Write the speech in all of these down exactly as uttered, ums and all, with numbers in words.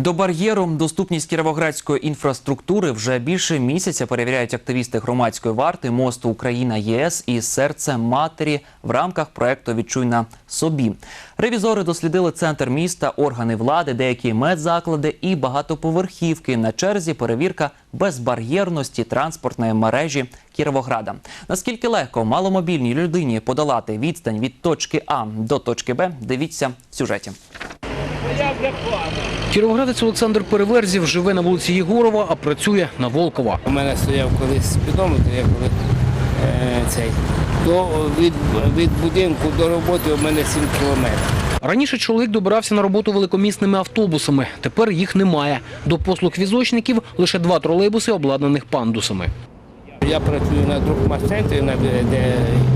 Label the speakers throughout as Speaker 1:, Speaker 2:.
Speaker 1: До бар'єру доступність кіровоградської інфраструктури вже більше місяця перевіряють активісти громадської варти мосту Україна-ЄС і серце матері в рамках проєкту «Відчуй на собі». Ревізори дослідили центр міста, органи влади, деякі медзаклади і багатоповерхівки. На черзі перевірка безбар'єрності транспортної мережі Кіровограда. Наскільки легко маломобільній людині подолати відстань від точки А до точки Б, дивіться в сюжеті.
Speaker 2: Кіровоградець Олександр Переверзів живе на вулиці Єгорова, а працює на Волкова.
Speaker 3: У мене стояв колись спідометр, я коли е, цей, то від, від будинку до роботи у мене сім кілометрів.
Speaker 2: Раніше чоловік добирався на роботу великомісними автобусами, тепер їх немає. До послуг візочників лише два тролейбуси, обладнаних пандусами.
Speaker 3: Я працюю на Друкмашцентрі, де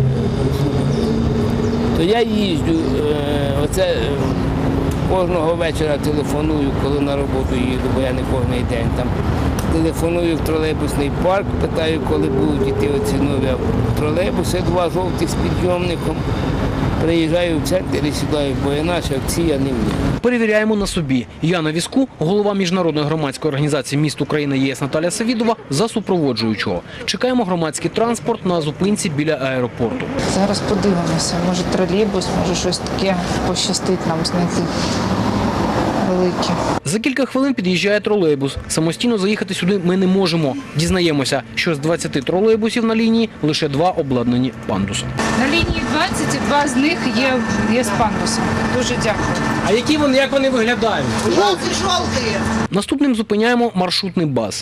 Speaker 3: то я їжджу, е, оце кожного вечора телефоную, коли на роботу їду, бо я не кожен день там. Телефоную в тролейбусний парк, питаю, коли будуть йти оці нові тролейбуси, два жовті з підйомником. Приїжджаю в центр і сідаю, бо інакше в ці я не вмію.
Speaker 2: Перевіряємо на собі. Я на візку, голова міжнародної громадської організації «Міст Україна-ЄС» Наталя Савідова за супроводжуючого. Чекаємо громадський транспорт на зупинці біля аеропорту.
Speaker 4: Зараз подивимося, може тролейбус, може щось таке пощастить нам знайти велике.
Speaker 2: За кілька хвилин під'їжджає тролейбус. Самостійно заїхати сюди ми не можемо. Дізнаємося, що з двадцяти тролейбусів на лінії лише два обладнані пандусом.
Speaker 4: На лінії двадцять і два з них є, є з пандусом. Дуже дякую.
Speaker 2: А які вони, як вони виглядають?
Speaker 5: Жовті-жовті.
Speaker 2: Наступним зупиняємо маршрутний бас.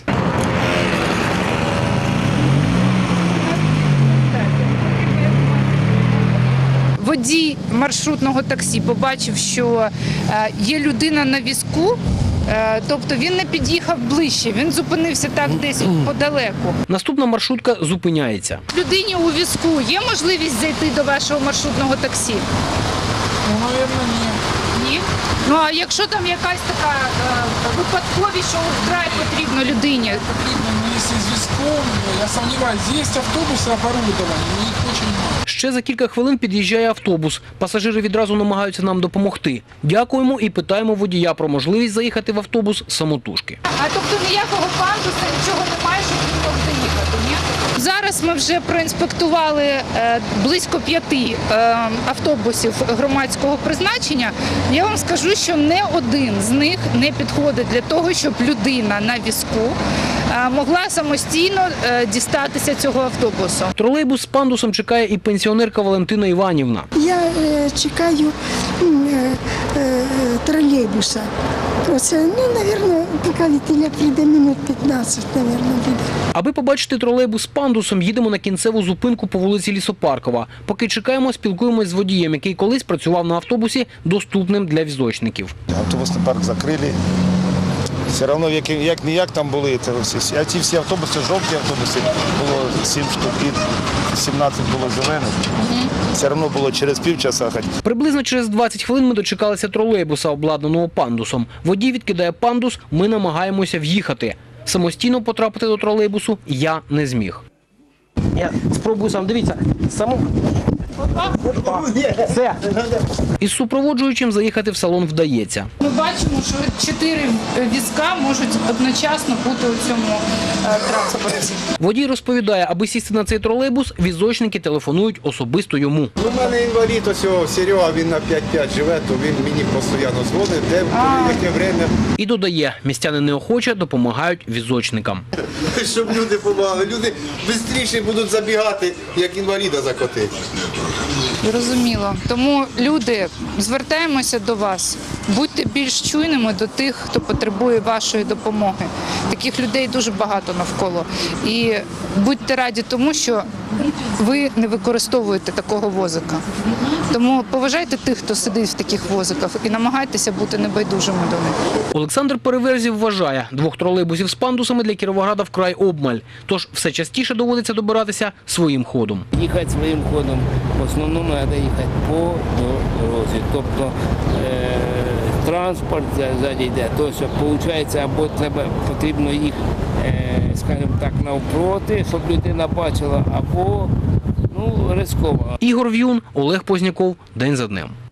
Speaker 4: Водій маршрутного таксі побачив, що є людина на візку, тобто він не під'їхав ближче, він зупинився так десь подалеку.
Speaker 2: Наступна маршрутка зупиняється.
Speaker 4: Людині у візку є можливість зайти до вашого маршрутного таксі?
Speaker 5: Ну, мабуть, ні.
Speaker 4: Ні? Ну, а якщо там якась така е, випадковість, що вкрай потрібно людині?
Speaker 5: Потрібно мені з зв'язком, я сумніваюся, є автобуси оборудовані, але їх дуже мало.
Speaker 2: Ще за кілька хвилин під'їжджає автобус. Пасажири відразу намагаються нам допомогти. Дякуємо і питаємо водія про можливість заїхати в автобус самотужки.
Speaker 4: А тобто ніякого пандуса, нічого немає, щоб він мог заїхати, ні? Зараз ми вже проінспектували е, близько п'яти е, автобусів громадського призначення. Я вам скажу, що не один з них не підходить для того, щоб людина на візку е, могла самостійно е, дістатися цього автобусу.
Speaker 2: Тролейбус з пандусом чекає і пенсіонерка Валентина Іванівна.
Speaker 6: Я е, чекаю е, е, тролейбуса. Оце, ну, мабуть, поки Вітиля прийде, минут п'ятнадцять, мабуть, буде.
Speaker 2: Аби побачити тролейбус з пандусом, їдемо на кінцеву зупинку по вулиці Лісопаркова. Поки чекаємо, спілкуємось з водієм, який колись працював на автобусі, доступним для візочників.
Speaker 7: Автобусний парк закрили. Все одно, як, як ніяк там були, це всі, а ці всі автобуси, жовті автобуси, було сім штук, і сімнадцять було зелених. Все одно було через півчаса.
Speaker 2: Приблизно через двадцять хвилин ми дочекалися тролейбуса, обладнаного пандусом. Водій відкидає пандус, ми намагаємося в'їхати. Самостійно потрапити до тролейбусу я не зміг. Я спробую сам, дивіться, саму... Все. Із супроводжуючим заїхати в салон вдається.
Speaker 4: Ми бачимо, що чотири візка можуть одночасно бути у цьому е, транспорті.
Speaker 2: Водій розповідає, аби сісти на цей тролейбус, візочники телефонують особисто йому.
Speaker 8: У мене інвалід, ось Серега, він на п'ять п'ять живе, то він мені постійно дзвонить, де, коли, яке время.
Speaker 2: І додає, містяни неохоче допомагають візочникам.
Speaker 8: Щоб люди допомагали, люди швидше будуть забігати, як інваліда закотити.
Speaker 4: Зрозуміло. Тому, люди, звертаємося до вас. Будьте більш чуйними до тих, хто потребує вашої допомоги. Таких людей дуже багато навколо. І будьте раді тому, що ви не використовуєте такого возика. Тому поважайте тих, хто сидить в таких возиках, і намагайтеся бути небайдужими до них.
Speaker 2: Олександр Переверзів вважає, двох тролейбусів з пандусами для Кіровограда вкрай обмаль. Тож все частіше доводиться добиратися своїм ходом.
Speaker 3: Їхати своїм ходом, в основному треба їхати по дорозі. Тобто е, транспорт ззаді йде, то що виходить, або треба, потрібно їх, е, скажімо так, навпроти, щоб людина бачила, або ну, ризиково.
Speaker 2: Ігор В'юн, Олег Позняков. День за днем.